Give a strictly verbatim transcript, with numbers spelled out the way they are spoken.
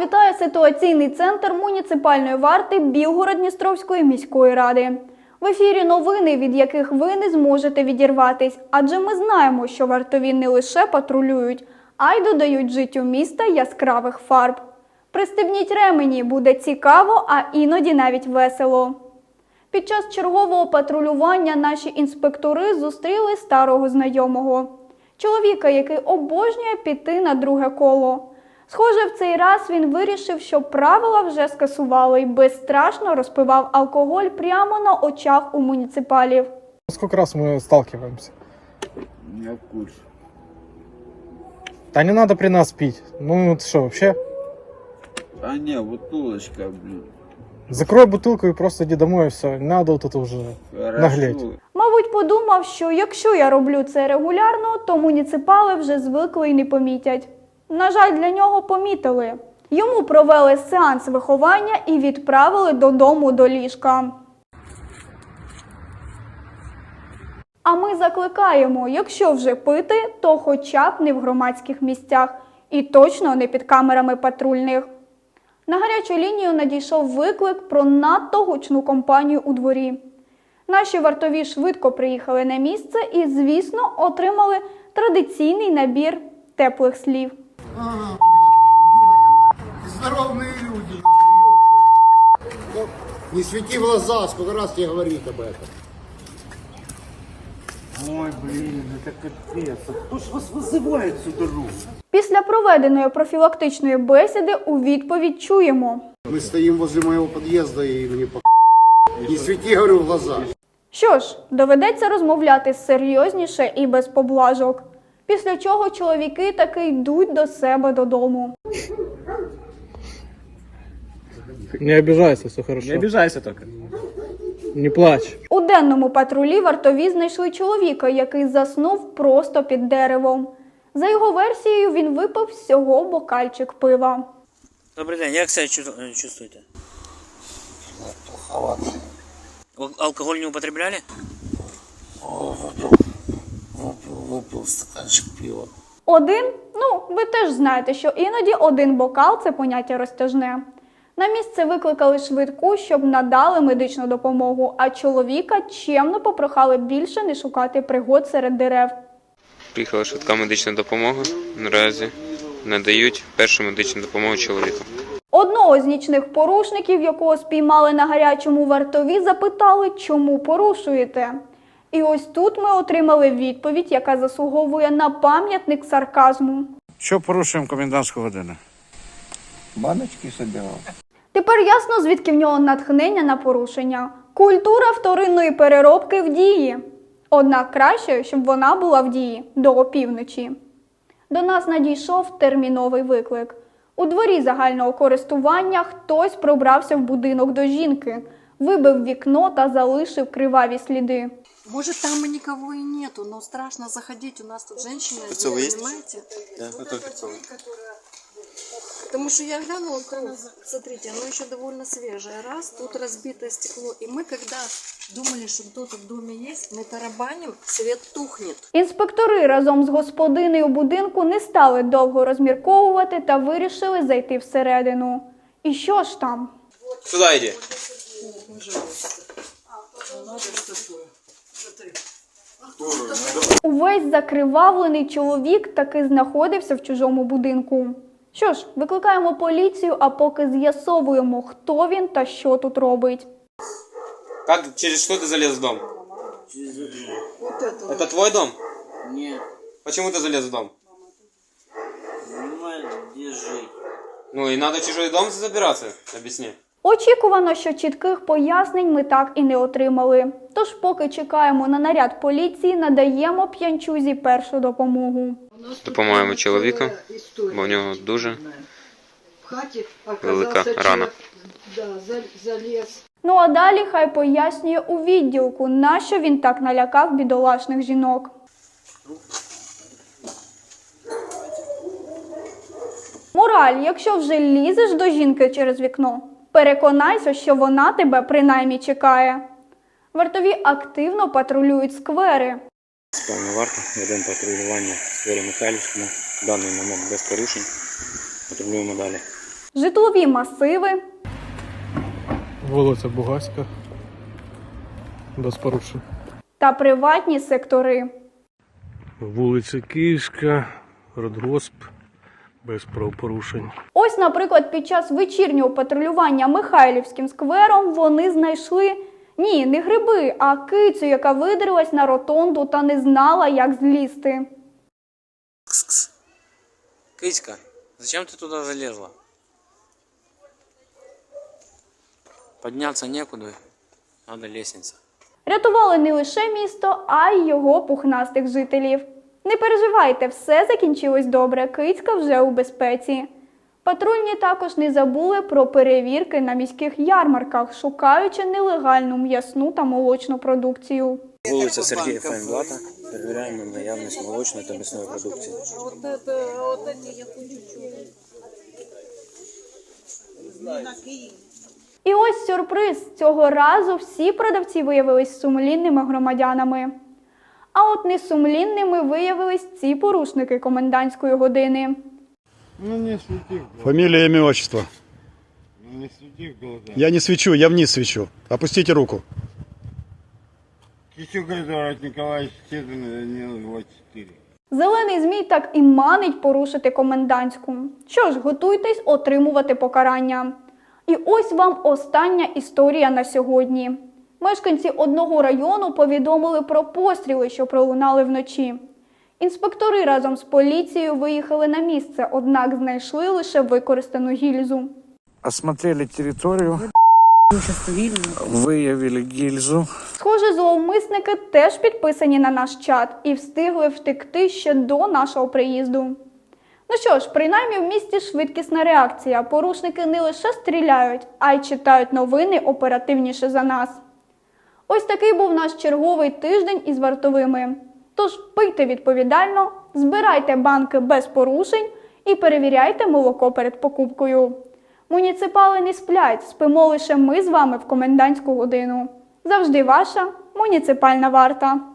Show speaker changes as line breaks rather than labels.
вітає ситуаційний центр муніципальної варти Білгород-Дністровської міської ради. В ефірі новини, від яких ви не зможете відірватись, адже ми знаємо, що вартові не лише патрулюють, а й додають життю міста яскравих фарб. Пристебніть ремені, буде цікаво, а іноді навіть весело. Під час чергового патрулювання наші інспектори зустріли старого знайомого. Чоловіка, який обожнює піти на друге коло. Схоже, в цей раз він вирішив, що правила вже скасували і безстрашно розпивав алкоголь прямо на очах у муніципалів.
Сколько раз мы сталкиваемся?
Я в курсе.
Да не надо при нас пить. Ну это что, вообще?
А не, бутылочка, блин.
Закрой бутылку и просто иди домой, и все. Не надо вот это уже
Хорошо.
наглеть.
Мабуть, подумав, що якщо я роблю це регулярно, то муніципали вже звикли і не помітять. На жаль, для нього помітили. Йому провели сеанс виховання і відправили додому до ліжка. А ми закликаємо, якщо вже пити, то хоча б не в громадських місцях і точно не під камерами патрульних. На гарячу лінію надійшов виклик про надто гучну компанію у дворі. Наші вартові швидко приїхали на місце і, звісно, отримали традиційний набір теплих слів.
Ага, здоровые люди. Не свети в глаза, сколько раз тебе говорить об этом.
Ой, блин, это капец. А кто ж вас вызывает всю дорогу?
Після проведеної профілактичної бесіди у відповідь чуємо.
Мы стоим возле моего подъезда и мне по... Не свети, говорю, в глаза.
Що ж, доведеться розмовляти серйозніше і без поблажок. Після чого чоловіки таки йдуть до себе додому.
Не обижайся, все хорошо.
Не обижайся только.
Не плачь.
У денному патрулі вартові знайшли чоловіка, який заснув просто під деревом. За його версією, він випив всього бокальчик пива.
Добрый день, як себя чувству- чувствуете?
Плоховато.
Ал- Алкоголь не употребляли?
Выпил, выпил стаканчик пива.
Один? Ну, ви теж знаєте, що іноді один бокал – це поняття розтяжне. На місце викликали швидку, щоб надали медичну допомогу, а чоловіка чемно попрохали більше не шукати пригод серед дерев.
Приїхала швидка медична допомога. Наразі надають першу медичну допомогу чоловіку.
Одного з нічних порушників, якого спіймали на гарячому вартові, запитали, чому порушуєте. І ось тут ми отримали відповідь, яка заслуговує на пам'ятник сарказму.
Що порушуємо комендантську годину?
Баночки собирал.
Тепер ясно, звідки в нього натхнення на порушення. Культура вторинної переробки в дії. Однак краще, щоб вона була в дії до опівночі. До нас надійшов терміновий виклик. У дворі загального користування хтось пробрався в будинок до жінки, вибив вікно та залишив криваві сліди.
Может, там и никого и нету, но страшно заходить. У нас тут женщина, есть? Понимаете?
Да, это перцовый.
Потому что я глянула, смотрите, оно еще довольно свежее. Раз, тут разбитое стекло. И мы, когда думали, что кто-то в доме есть, мы тарабаним, свет тухнет.
Інспектори разом з господинею будинку не стали довго розмірковувати та вирішили зайти всередину. І що ж там?
Сюда иди.
Увесь закривавлений чоловік таки знаходився в чужому будинку. Що ж, викликаємо поліцію, а поки з'ясовуємо, хто він та що тут робить.
Как, через что ты залез в дом?
Вот это.
Это твой дом?
Нет,
Почему ты залез в дом?
понимаешь, где жить?
Ну и надо в чужой дом забираться, объясни.
Очікувано, що чітких пояснень ми так і не отримали. Тож поки чекаємо на наряд поліції, надаємо п'янчузі першу допомогу.
Допомагаємо чоловіку, бо в нього дуже велика рана.
Ну а далі хай пояснює у відділку, нащо він так налякав бідолашних жінок. Мораль, якщо вже лізеш до жінки через вікно, переконайся, що вона тебе принаймні чекає. Вартові активно патрулюють сквери.
Спальна варта, ведемо патрулювання в сквері Михайлівському. В даний момент без порушень. Патрулюємо далі.
житлові масиви
Вулиця Бугаська. Без порушень.
та приватні сектори.
Вулиця Київська, Радгосп, без правопорушень.
Ось, наприклад, під час вечірнього патрулювання Михайлівським сквером вони знайшли, ні, не гриби, а кицю, яка видрилась на ротонду та не знала, як злізти.
Кс-кс. Кыська, зачем ты туда залезла? Подняться некуда, надо лестница.
Рятували не лише місто, а й його пухнастих жителів. Не переживайте, все закінчилось добре, кицька вже у безпеці. Патрульні також не забули про перевірки на міських ярмарках, шукаючи нелегальну м'ясну та молочну продукцію.
Вулиця Сергія Файнблата. Перевіряємо наявність молочної та м'ясної продукції.
Вот это, вот эти я хочу чуть-чуть.
І ось сюрприз. Цього разу всі продавці виявились сумлінними громадянами. А от несумлінними виявились ці порушники комендантської години.
Ну не свети.
Фамилия, имя, отчество.
Ну не свети в глаза.
Я не свечу, я вниз свечу. Опустите руку.
Кисюк Эдуард Николаевич Стедин, Данил двадцать четыре.
Зелений змій так і манить порушити комендантську. Що ж, готуйтесь отримувати покарання. І ось вам остання історія на сьогодні. Мешканці одного району повідомили про постріли, що пролунали вночі. Інспектори разом з поліцією виїхали на місце, однак знайшли лише використану гільзу.
Осмотрели територію, виявили гільзу.
Схоже, зловмисники теж підписані на наш чат і встигли втекти ще до нашого приїзду. Ну що ж, принаймні в місті швидкісна реакція. Порушники не лише стріляють, а й читають новини оперативніше за нас. Ось такий був наш черговий тиждень із вартовими. Тож пийте відповідально, збирайте банки без порушень і перевіряйте молоко перед покупкою. Муніципали не сплять, спимо лише ми з вами в комендантську годину. Завжди ваша муніципальна варта.